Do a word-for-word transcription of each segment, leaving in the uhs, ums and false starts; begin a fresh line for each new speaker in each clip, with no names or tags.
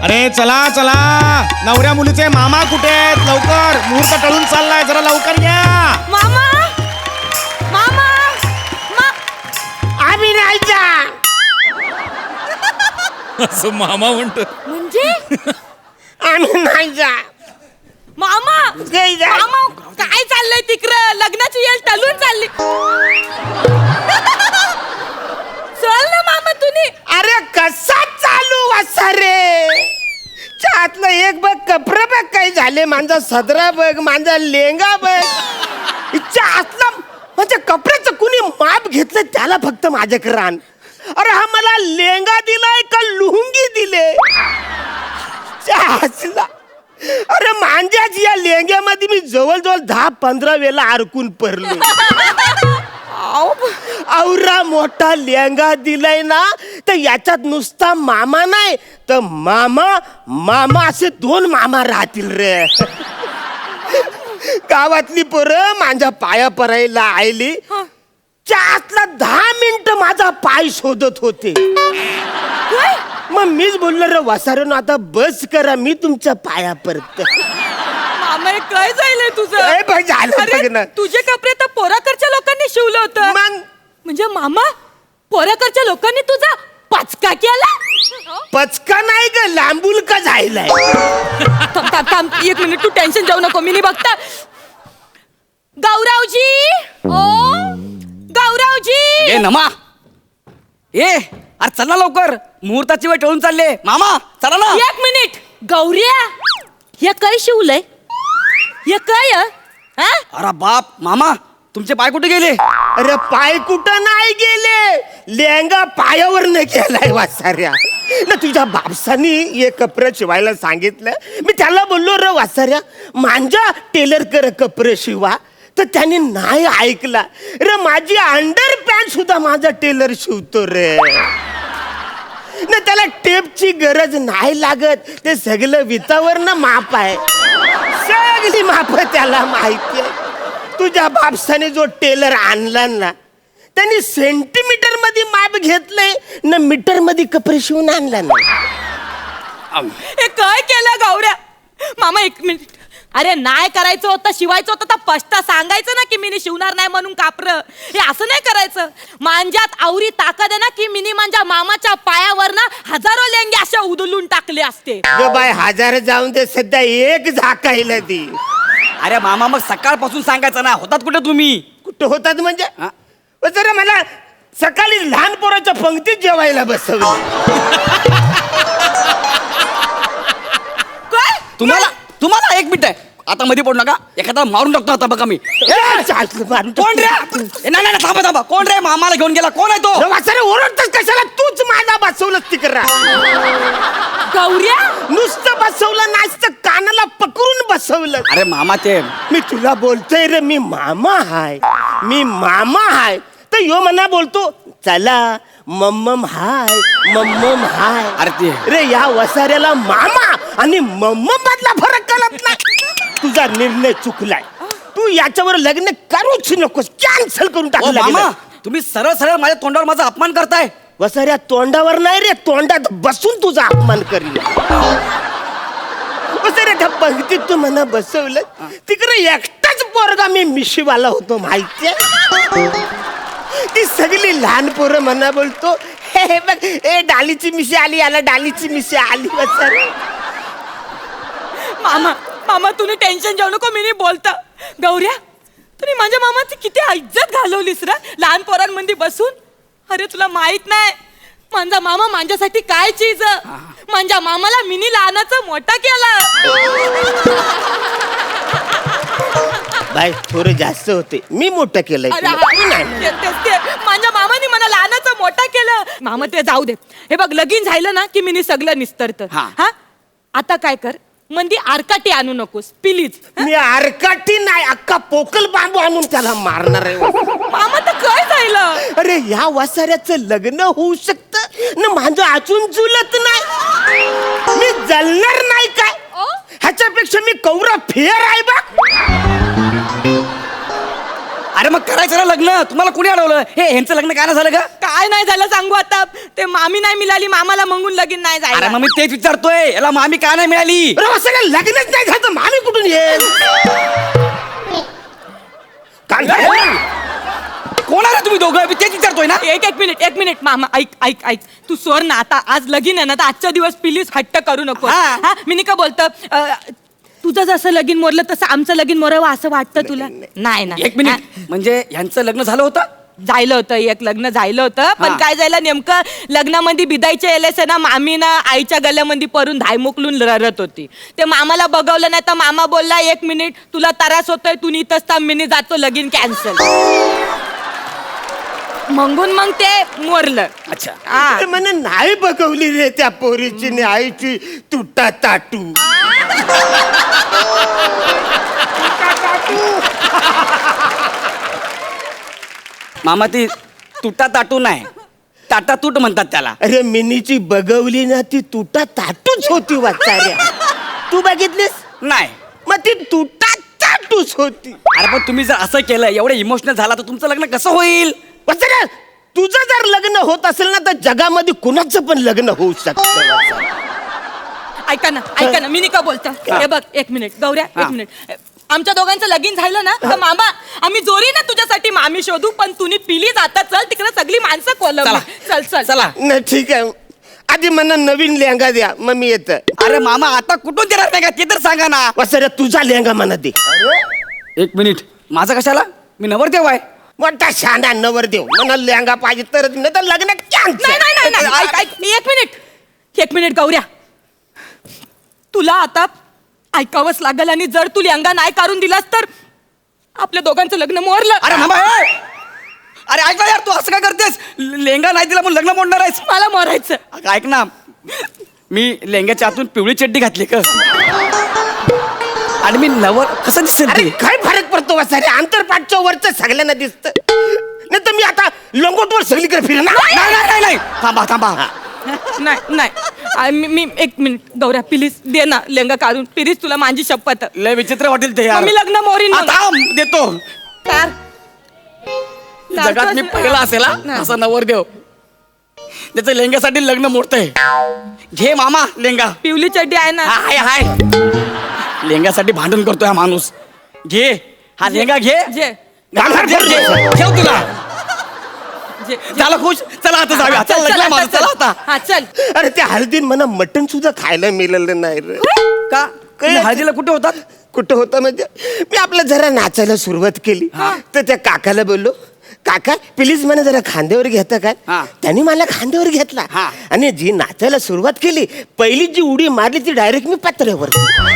अरे चला चला, नवऱ्या मुलीचे मामा कुठे आहेत? लवकर, मुहूर्त टळून चाललाय, जरा लवकर या.
मामा मामा मा
आम्ही नाही जा.
असं मामा म्हणतो
म्हणजे
आम्ही नाही जा.
मामा
नाही जा.
मामा काय चाललंय तिकडं? लग्नाची येळ टलून चालली. चल ना मामा तुम्ही.
अरे कसा चालू असा रे? आतलं एक बघ, कपडे बघ काही झाले, माझा सदरा बघ, माझा लेंगा बघ. इच्छा आतला म्हणजे कपड्याचं कुणी माप घेतलं त्याला फक्त माझ्याकडे आण. अरे हा मला लेंगा दिलाय का लुंगी दिले? आसला अरे मांज्याच या लेंग्यामध्ये मी जवळजवळ दहा पंधरा वेळा अडकून पडलो. औरा मोठा लेंगा दिलाय ना, तर याच्यात नुसता मामा नाही तर मामा मामा असे दोन मामा राहतील रे. गावातली पोरं माझ्या पाया परायला आयली. चातला दहा मिनिट माझा पाय शोधत होते. मग मीच बोललो रे वसारण, आता बस करा, मी तुमच्या पाया पडत.
मामा हे काय जायलंय तुझं?
ए बाई, झालं
अरे,
बघ ना.
तुझे कपडे तर पोराकडच्या लोकांनी शिवलं होतं.
मग
म्हणजे मामा पोराकडच्या लोकांनी तुझा पचका केला?
पचका नाही ग, लांबूल का जायलाय.
थांब थांब थांब एक मिनिट, तू टेन्शन जाऊ नको, मी नाही बघता. गौरवजी, ओ गौरवजी.
ए नमा, ए अरे चल ना लवकर, मुहूर्ताची वेळ टळून चालले. मामा चला ना.
एक मिनिट गौऱ्या, हे काय शिवलंय? हे काय हं? हा?
अरे बाप, मामा तुमचे पाय कुठे गेले?
अरे पाय कुठं नाही गेले, लेंगा पायावर न गेलाय वासाऱ्या. ना तुझ्या बापसानी हे कपडे शिवायला सांगितलं. मी त्याला बोललो रे वासाऱ्या, माझ्या टेलर कर कपडे शिवा, तर त्याने नाही ऐकला रे. माझी अंडर पॅन्ट सुद्धा माझा टेलर शिवतो रे. ना त्याला टेपची गरज नाही लागत, ते सगळं वितावर ना माप आहे, सगळी माप त्याला माहिती आहे. तुझ्या बापसाने जो टेलर आणला ना, त्यांनी सेंटीमीटर मध्ये माप घेतलंय ना, मीटर मध्ये कपडे शिवून आणला ना.
हे काय केलं गौऱ्या? मामा एक मिनिट. अरे नाही करायचं होतं, शिवायचं होतं तर पष्टा सांगायचं ना की मिनी शिवणार नाही म्हणून कापर. हे असं नाही करायचं. मांज्यात आवरी ताकद आहे ना की मिनी माझ्या मामाच्या पायावर ना हजारो लेंगे अशा उदलून टाकले असते.
ग बाय, हजार जाऊन दे, सध्या एक झाकायला ती.
अरे मामा मग सकाळपासून सांगायचं ना, होतात कुठे तुम्ही?
कुठं होतात म्हणजे?
हा?
ओ जरा मला सकाळी लहान पोराच्या पंक्तीत जेवायला बसवलं.
काय?
तुम्हाला तुम्हाला एक मिनिट आहे, आता मध्ये पडू नका, एखादा मारून टाकतो आता बघा मी.
ए, चालतं, मारून टाक.
कोण रे? ए, नाही नाही थांबा थांबा, कोण रे? मामाला घेऊन गेला, कोण आहे तो?
रे वासरे, ओरडतोस कशाला? तूच माझा बसवलंस तिकडं.
गौऱ्या
नुसतं बसवलं नाचतं, कानाला पकडून बसवलं.
अरे मामा ते
मी तुला बोलतोय रे, मी मामा हाय, मी मामा हाय, तर यो मना बोलतो चला मम्मम हाय, मम्मम हाय.
अरे ते
रे या वसाऱ्याला मामा आणि मम्मम मधला फरक कळत नाही. तुझा निर्णय चुकलाय. तू याच्यावर लग्न करूच नकोस, कॅन्सल करून
ओ
टाकलं.
मामा, तुम्ही सरळ सरळ माझ्या तोंडावर माझा अपमान करताय.
वसाऱ्या तोंडावर नाही रे, तोंडात बसून तुझा अपमान करील. वसाऱ्या त्या पंक्तीत तू मला बसवलं, तिकडे एकटाच पोरगा मी मिशीवाला होतो माहितीये. ती सगळी लहान पोरं म्हणा बोलतो, हे हे बघ, ए डालीची मिशी आली, याला डालीची मिशी आली. वसाऱ्या
मामा मामा तुम्ही टेन्शन घेऊ नको, मी नाही बोलता. गौऱ्या तुम्ही माझ्या मामाची किती इज्जत घालवलीस रे लहान पोरांमध्ये बसून. अरे तुला माहित नाही माझा मामा माझ्यासाठी काय चीज. माझ्या मामाला मिनी लहानाचा मोठा केला.
बाय, थोडं जास्त होते, मी मोठं केलंय
अरे
तुला.
हा,
मी नाही.
ते- तेच ते. माझ्या मामाने मला लहानाचं मोठा केलं. मामा ते जाऊ दे. हे बघ लगीन झालं ना की मिनी सगळं निस्तरत.
हा.
हा आता काय कर, मंदी आरकाटी आणू नकोस प्लीज.
मी आरकाठी नाही, अख्खा पोकल बांबू आणून त्याला मारणार आहे.
मामा तर काय झालं?
अरे या वासाऱ्याचं लग्न होऊ शकतं ना, माझं अजून जुलत नाही. मी जलणार नाही काय? ह्याच्यापेक्षा मी कौरा फेर आहे बघ.
अरे मग करायचं ना लग्न, तुम्हाला कुणी अडवलं? हे ह्यांचं लग्न काय नाही झालं का?
काय नाही झालं सांगू आता. ते मामी नाही मिळाली, मामाला मंगून लगीन नाही
अरे
जायला.
मग मी तेच विचारतोय, याला मामी का नाही मिळाली?
अरे वासाऱ्या लग्नच नाही झालं तर मामी कुठून येईल?
कोण आहे रे तुम्ही दोघं? मी तेच विचारतोय ना.
एक एक मिनिट एक मिनिट मामा, ऐक ऐक ऐक तू सोड ना आता. आज लगीन आहे ना, तर आजच्या दिवस प्लीज हट्ट करू नको.
हा.
हा मी नाही का बोलतं, अं, तुझं जसं लगीन मोरलं तसं आमचं लगीन मोरावं असं वाटतं तुला? नाही ना.
एक मिनिट, म्हणजे यांचं लग्न झालं होतं?
जायलं होतं, एक लग्न झालं होतं. पण
हा.
काय झालं नेमकं, लग्नामध्ये बिदायच्या येलेस ना मामी ना आईच्या गल्ल्यामध्ये परून धाय मोकलून रडत होती. ते मामाला बघवलं नाही तर मामा बोलला, एक मिनिट तुला त्रास होतोय, तू इथंच थांब, मी जातो, लगीन कॅन्सल. मंगून मग ते मोरलं.
अच्छा.
हा.
अरे म्हणे नाही बघवली रे त्या पोरीची आणि आईची तुटा ताटू.
मामा ती तुटा ताटू नाही, टाटा तूट म्हणतात त्याला.
अरे मिनीची बघवली ना ती तुटा ताटूच होती वाचाऱ्या. तू बघितलीस?
नाही.
मग ती तुटा ताटूच होती.
अरे पण तुम्ही जर असं केलं, एवढं इमोशनल झाला, तर तुमचं लग्न कसं होईल?
वाचाऱ्या तुझं जर लग्न होत असेल ना तर जगामध्ये कुणाचं पण लग्न होऊ शकतं.
ऐका ना ऐका ना, मी नाही का बोलतो. हे बघ एक मिनिट गौऱ्या,
हा.
एक मिनिट. आमच्या दोघांचं लगीन झालं ना तर मामा आम्ही जोरी ना तुझ्यासाठी मामी शोधू, पण तुम्ही पिली जाता. चल तिकडे सगळी माणसं कोलम.
चला.
चल चल
चला.
नाही ठीक आहे, आधी मला नवीन लेहंगा द्या मग मी येत.
अरे मामा आता कुठून देणार नाही का, ते तर सांगा ना.
वाचाऱ्या तुझा लेहंगा मला दे.
एक मिनिट, माझा कशाला? मी नवरदेव आहे.
मोठा शाना नवर देव मला लेहंगा पाहिजे तर नाही तर लग्न
नाही
कॅन्सल.
नाही नाही नाही ऐक ऐक मी एक मिनिट एक मिनिट गौऱ्या, तुला आता ऐकावंच लागल. आणि जर तू लेहंगा नाही काढून दिलास तर आपल्या दोघांचं लग्न मोरलं.
अरे मामा ए! अरे ऐक ना यार, तू असं काय करतेस? लेंगा नाही दिला म्हणून लग्न मोडणार आहेस?
मला मोरायचं.
अगं ऐक ना, मी लेंग्याच्या आतून पिवळी चड्डी घातली का, आणि मी नवर कसं दिसेल
अरे
ते?
काय फरक पडतो वाचाऱ्या, आंतरपाठच्या वरच सगळ्यांना दिसत. नाही तर मी आता लंगोटवर सगळीकडे फिरणार.
नाही नाही नाही नाही, थांबा थांबा.
नाही नाही आ, मी मी- एक मिनिट गौऱ्या प्लीज दे ना लेहंगा काढून, प्लीज तुला माझी शपथ.
लय विचित्र वाटेल ते यार.
मग मी लग्न मोरीन मग.
आता देतो.
तर
जगात मी पहिला असेल हा, असा नवरदेव त्याचं लेंग्यासाठी लग्न मोडतंय. घे मामा लेंगा.
पिवली चड्डी आहे ना.
हाय हाय, लेंग्यासाठी भांडण करतोय हा माणूस. घे हा लेंगा, घे
जे
घाल, घे, घे. ठेव तुला.
जे
झालं खुश? चला आता जाऊया.
चल,
चल
चल,
लग्न
आता
माझं,
चल.
चला आता.
हा चल.
अरे त्या हळदीन मला मटण सुद्धा खायला मिळालं नाही रे.
का? तुम्ही हळदीला कुठे होतात?
कुठं होतं म्हणजे मी आपलं जरा नाचायला सुरुवात केली तर त्या काकाला बोललो, काका प्लीज मला जरा खांद्यावर घेता काय?
हा.
त्यांनी मला खांद्यावर घेतला
हा.
आणि जी नाचायला सुरुवात केली पहिली जी उडी मारली ती डायरेक्ट मी पत्र्यावर.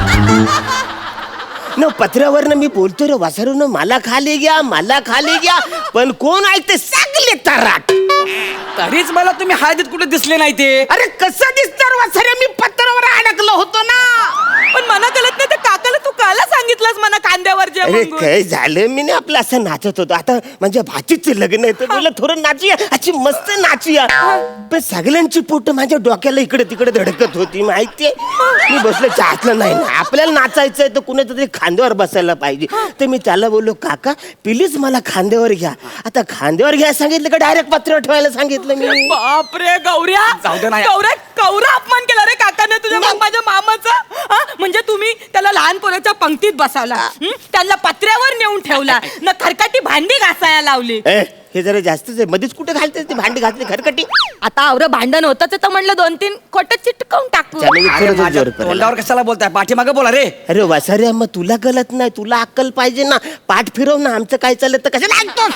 न पत्र्यावर मी बोलतो रे वासरून मला खाली घ्या मला खाली घ्या, पण कोण ऐकते सगळे तराट.
तरीच मला तुम्ही हळदीत कुठे दिसले नाही ते.
अरे कसं दिसणार वासरे, मी पत्र्यावर अडकलो होतो ना.
पण मना कळत नाही, तर काकाला तू काला सांगितलंस मना खांद्यावर जे
अरे
मंगून?
काय झालं, मी ना आपलं असं नाचत होतो. आता माझ्या भाचीचं लग्न आहे तर बोललं थोडं नाचूया, अशी मस्त नाचूया. पण सगळ्यांची पोट माझ्या डोक्याला इकडे तिकडे धडकत होती माहितीये. मी बसलो चाहतलं नाही ना, आपल्याला नाचायचंय तर कुणाचं तरी खांद्यावर बसायला पाहिजे. तर मी त्याला बोललो, काका प्लीज मला खांद्यावर घ्या. आता खांद्यावर घ्या सांगितलं का डायरेक्ट पत्र्यावर ठेवायला सांगितलं मी.
बापरे गौऱ्या,
जाऊ दे ना.
गौऱ्या कौरा अपमान केला रे काकाने तुझ्या मा- माझ्या मामाचा. हा? म्हणजे तुम्ही त्याला लहान पोराच्या पंक्तीत बसवला, हं? त्यांना पत्र्यावर नेऊन ठेवला, न खरकाटी भांडी घासायला लावली.
ए, हे जरा जास्तच आहे. मध्येच कुठे घालते ती भांडी घातली खरकटी.
आता आवरं भांडण होतच तर म्हणलं दोन तीन खोट चिटकवून टाकू.
त्याने मी
अरे
थोडंसं
माझ्या
जोर पडला.
तोंडावर कशाला बोलताय? पाठीमागे बोला रे.
अरे वासाऱ्या मग तुला गलत नाही, तुला अक्कल पाहिजे ना. पाठ फिरव ना, आमचं काय चाललं तर कशाला ऐकतो.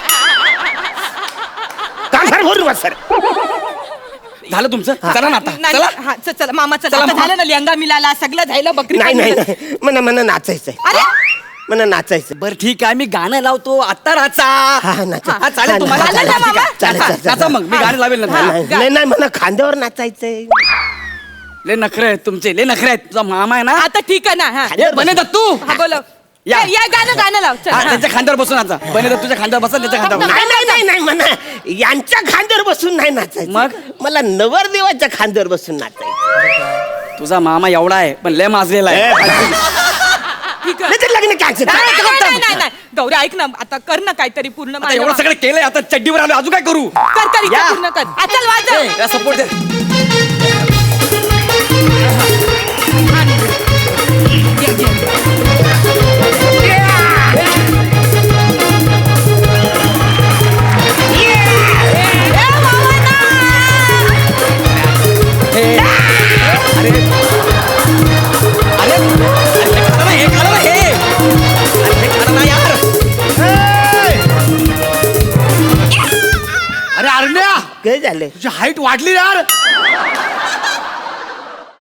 कांगार भरून वासाऱ्या.
झालं तुमचं? चला ना आता.
नाही,
चला.
हा, चल, चला मामा चला.
चला,
आता
मामा.
झालं ना लेहंगा मिळाला, सगळं झालं, बकरी
नाही
पण
नाही
मिळाली.
नाही, मला मला नाचायचंय.
अरे
मला नाचायचं.
बरं ठीक आहे, मी गाणं लावतो आता राचा.
हा हा नाचा.
हा, चालेल तुम्हाला.
चालेल ना,
ठीक आहे.
मामा?
चालेल,
नाचा,
चालेल,
नाचा मग मी गाणं लावेल ना.
हा.
नाही नाही, नाही मला खांद्यावर नाचायचंय.
लय नखरे आहेत तुमचे, लय नखरे आहेत. तुझा मामा आहे ना,
आता ठीक आहे ना. हा
ए, बने दत्तू.
हा, बोलो.
या.
या या, गाणं गाणं लाव चल.
हा,
हा.
त्यांच्या खांद्यावर बसून आता. बने दत्तूच्या खांद्यावर बसा, त्याच्या खांद्यावर बसा.
नाही नाही नाही नाही म्हणा, यांच्या खांद्यावर बसून नाही नाचायचं.
मग?
मला नवरदेवाच्या खांद्यावर बसून नाचायचं.
तुझा मामा एवढा आहे पण लय माजलेला आहे.
ठीक आहे.
नाही तर लग्न कॅन्सल.
नाही, नाही, नाही, नाही, नाही. गौऱ्या ऐक ना आता कर ना काहीतरी पूर्ण
आता
माझ्या
एवढं सगळं केलंय आता चड्डीवर आलो अजून काय करू
कर कर इच्छा
या.
पूर्ण कर आ, चल वाजव
सपोर्ट दे
ए, मामांना!
अरे अरे अरे खरं ना हे खरं ना हे अरे हे खरं ना यार
अरे अरण्या
काय झालं?
तुझी हाईट वाढली यार